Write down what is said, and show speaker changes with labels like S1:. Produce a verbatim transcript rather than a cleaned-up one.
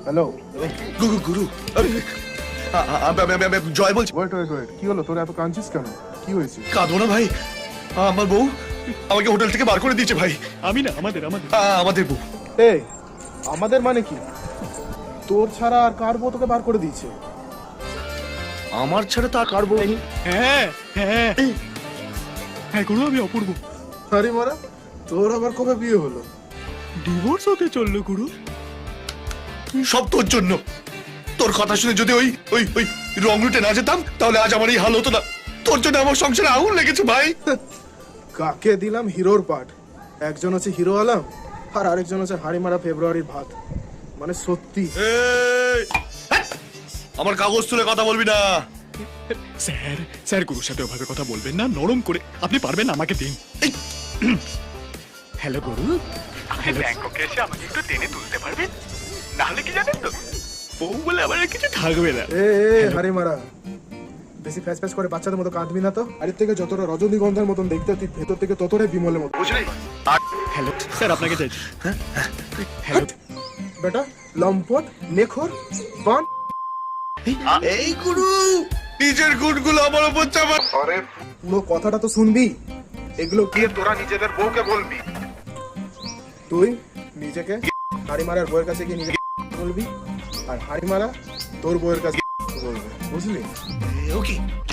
S1: Hello
S2: গুরু গুরু জয় বলছি।
S1: ওয়েট ওয়েট ওয়েট কি হলো তোর এত কাঁদছিস কেন? কি হয়েছে?
S2: কাঁদো না ভাই, আমার বউ আমাকে হোটেল থেকে বার করে দিয়েছে ভাই।
S3: আমি না, আমাদের আমাদের
S2: আ, আমাদের বউ।
S1: এই আমাদের মানে কি? তোর ছাড়া আর কার বউ তোকে বার করে দিয়েছে?
S2: আমার ছাড়া তো আর কার বউ নেই।
S3: হ্যাঁ হ্যাঁ হ্যাঁ গুরু, আমি অপূর্ব।
S1: আরে মারা, তোর আবার কবে বিয়ে হলো?
S3: ডিভোর্স হতে চললো গুরু।
S2: সব তোর জন্য। তোর কথা শুনে যদি ওই ওই ওই রং রুটে না যেতাম তাহলে আজ আমার এই হাল হতো না। তোর জন্য আমার সংসারে আগুন লেগেছে ভাই।
S1: কাকে দিলাম হিরোর পাঠ? একজন হচ্ছে হিরো আলম আর আরেকজন হচ্ছে হাড়ি মারা ফেব্রুয়ারির ভাত। মানে সত্যি
S2: এই, হ্যাট! আমার কাগজ তুলে কথা বলবি না।
S3: স্যার স্যার গুরুর সাথে ওভাবে কথা বলবেন না, নরম করে। আপনি পারবেন, আমাকে দিন।
S2: এই,
S3: হ্যালো গুরু, হ্যালো। ব্যাংককে এসে আমাকে একটু টেনে তুলতে পারবেন? নাহলে কি জানেন তো, বউ বলে আমার আর কিছু থাকবে না।
S1: এ এ, হাড়ি মারা, বেশি ফ্যাস ফ্যাস করে বাচ্চাদের মতো কাঁদবি না তো। আর এর থেকে যতটা রজনীগন্ধার মতন দেখতে তুই ভেতর থেকে ততটাই বিমলের মতো, বুঝলি?
S3: হ্যালো স্যার, আপনাকে চাইছি। হ্যালো
S1: বেটা লম্পট নেখর বান।
S2: এই গুরু, নিজের গুণগুলো আমার উপর চাপা।
S1: আরে পুরো কথাটা তো শুনবি। এগুলো গিয়ে তোরা নিজেদের বউকে বলবি। তুই নিজেকে হাড়ি মারার বউয়ের কাছে গিয়ে নিজেকে বলবি, আর হাড়ি মারা তোর বউয়ের কাছে বলবে, বুঝলি?
S2: ওকে